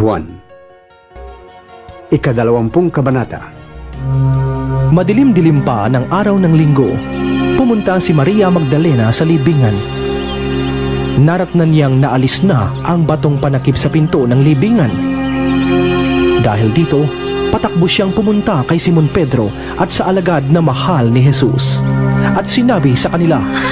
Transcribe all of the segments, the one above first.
Juan, Ika-20 Kabanata. Madilim-dilim pa ng araw ng linggo, pumunta si Maria Magdalena sa libingan. Naratnan niyang naalis na ang batong panakip sa pinto ng libingan. Dahil dito, patakbo siyang pumunta kay Simon Pedro at sa alagad na mahal ni Jesus. At sinabi sa kanila,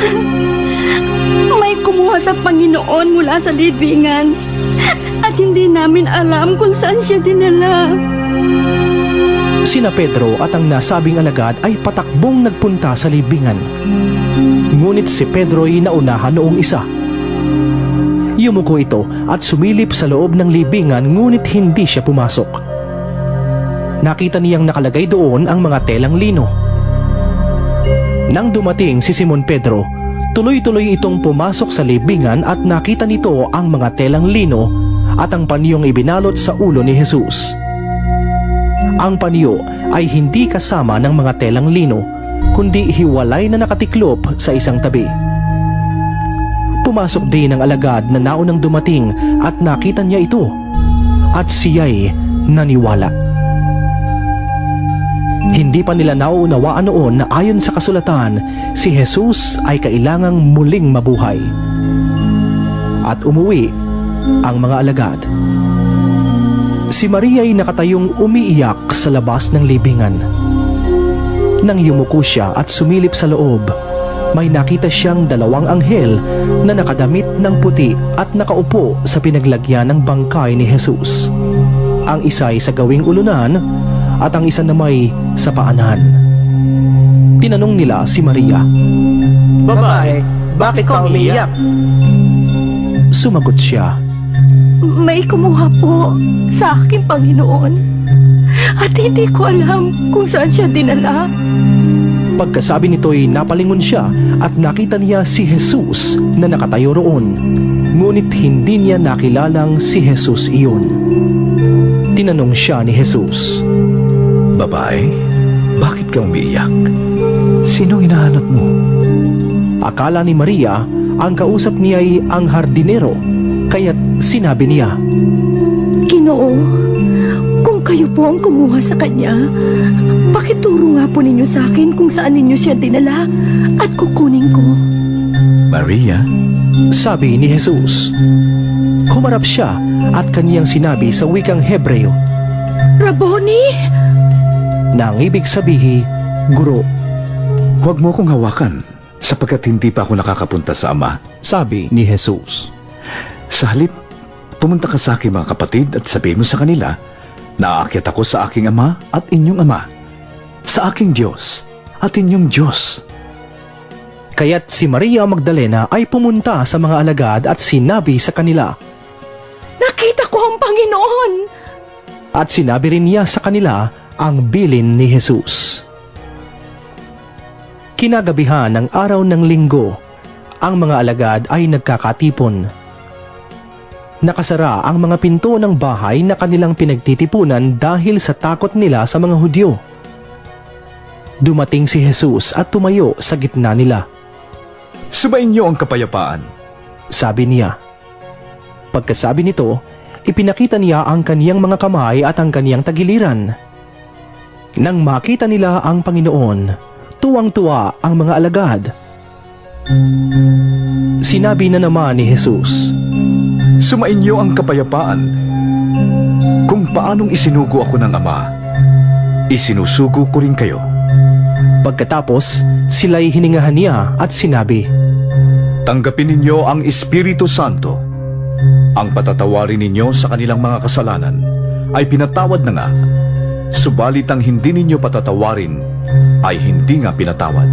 "May kumuha sa Panginoon mula sa libingan at hindi namin alam kung saan siya dinala." Sina Pedro at ang nasabing alagad ay patakbong nagpunta sa libingan. Ngunit si Pedro'y naunahan noong isa. Yumuko ito at sumilip sa loob ng libingan ngunit hindi siya pumasok. Nakita niyang nakalagay doon ang mga telang lino. Nang dumating si Simon Pedro, tuloy-tuloy itong pumasok sa libingan at nakita nito ang mga telang lino at ang panyong ibinalot sa ulo ni Jesus. Ang panyo ay hindi kasama ng mga telang lino, kundi hiwalay na nakatiklop sa isang tabi. Pumasok din ang alagad na naunang dumating at nakita niya ito, at siya'y naniwala. Hindi pa nila nauunawaan noon na ayon sa kasulatan, si Jesus ay kailangang muling mabuhay. At umuwi ang mga alagad. Si Maria ay nakatayong umiiyak sa labas ng libingan. Nang yumuko siya at sumilip sa loob, may nakita siyang 2 anghel na nakadamit ng puti at nakaupo sa pinaglagyan ng bangkay ni Jesus. Ang isa ay sa gawing ulunan at ang isa namay sa paanan. Tinanong nila si Maria, "Babae, bakit ka umiiyak?" Sumagot siya, "May kumuha po sa aking Panginoon at hindi ko alam kung saan siya dinala." Pagkasabi nito'y napalingon siya at nakita niya si Jesus na nakatayo roon. Ngunit hindi niya nakilalang si Jesus iyon. Tinanong siya ni Jesus, "Babae, bakit ka umiiyak? Sinong hinahanap mo?" Akala ni Maria ang kausap niya ay ang hardinero, kaya't sinabi niya, "Ginoo, kung kayo po ang kumuha sa kanya, pakituro nga po ninyo sa akin kung saan ninyo siya dinala at kukunin ko." "Maria?" sabi ni Jesus. Humarap siya at kaniyang sinabi sa wikang Hebreo, "Rabboni!" na ang ibig sabihin, guro. "Huwag mo akong hawakan sapagkat hindi pa ako nakakapunta sa Ama," sabi ni Jesus. "Sa halip, pumunta ka sa aking mga kapatid at sabihin mo sa kanila, naaakyat ako sa aking Ama at inyong Ama, sa aking Diyos at inyong Diyos." Kaya't si Maria Magdalena ay pumunta sa mga alagad at sinabi sa kanila, "Nakita ko ang Panginoon!" at sinabi rin niya sa kanila ang bilin ni Jesus. Kinagabihan ng araw ng linggo, ang mga alagad ay nagkakatipon. Nakasara ang mga pinto ng bahay na kanilang pinagtitipunan dahil sa takot nila sa mga Hudyo. Dumating si Jesus at tumayo sa gitna nila. "Subayin niyo ang kapayapaan," sabi niya. Pagkasabi nito, ipinakita niya ang kaniyang mga kamay at ang kaniyang tagiliran. Nang makita nila ang Panginoon, tuwang-tuwa ang mga alagad. Sinabi na naman ni Jesus, "Sumayin niyo ang kapayapaan. Kung paanong isinugo ako ng Ama, isinusugo ko rin kayo." Pagkatapos, sila'y hiningahan niya at sinabi, "Tanggapin ninyo ang Espiritu Santo. Ang patatawarin ninyo sa kanilang mga kasalanan ay pinatawad na nga, subalit ang hindi ninyo patatawarin ay hindi nga pinatawad."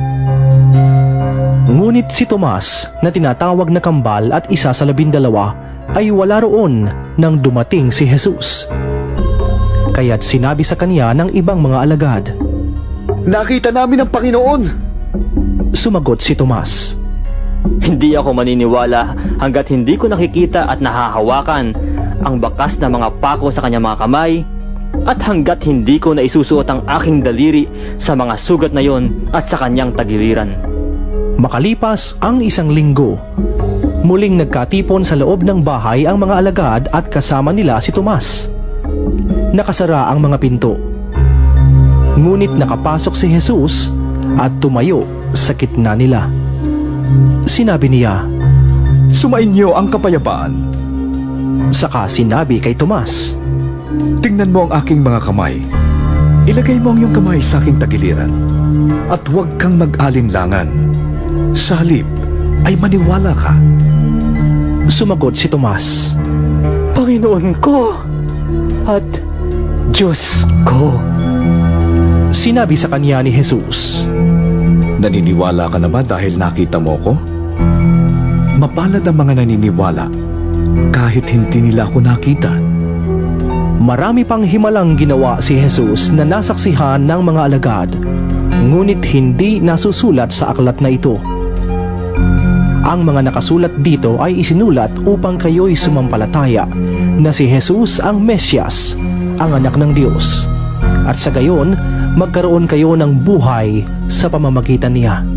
Ngunit si Tomas na tinatawag na kambal at isa sa 12 ay wala roon nang dumating si Jesus. Kaya't sinabi sa kanya ng ibang mga alagad, "Nakita namin ang Panginoon!" Sumagot si Tomas, Hindi ako maniniwala hanggat hindi ko nakikita at nahahawakan ang bakas na mga pako sa kanyang mga kamay at hanggat hindi ko naisusuot ang aking daliri sa mga sugat na yon at sa kanyang tagiliran." Makalipas ang 1 linggo, Muling nagkatipon sa loob ng bahay ang mga alagad at kasama nila si Tomas. Nakasara ang mga pinto. Ngunit nakapasok si Jesus at tumayo sa gitna nila. Sinabi niya, Sumainyo ang kapayapaan. saka sinabi kay Tomas, Tingnan mo ang aking mga kamay. Ilagay mo ang iyong kamay sa aking tagiliran. At huwag kang mag-alinlangan. Sa halip ay maniwala ka. Sumagot si Tomas, Panginoon ko at Diyos ko. Sinabi sa kanya ni Jesus, Naniniwala ka na ba dahil nakita mo ko? Mapalad ang mga naniniwala kahit hindi nila ako nakita. marami pang himalang ginawa si Jesus na nasaksihan ng mga alagad, ngunit hindi nasusulat sa aklat na ito. Ang mga nakasulat dito ay isinulat upang kayo'y sumampalataya na si Jesus ang Mesyas, ang anak ng Diyos, at sa gayon magkaroon kayo ng buhay sa pamamagitan niya.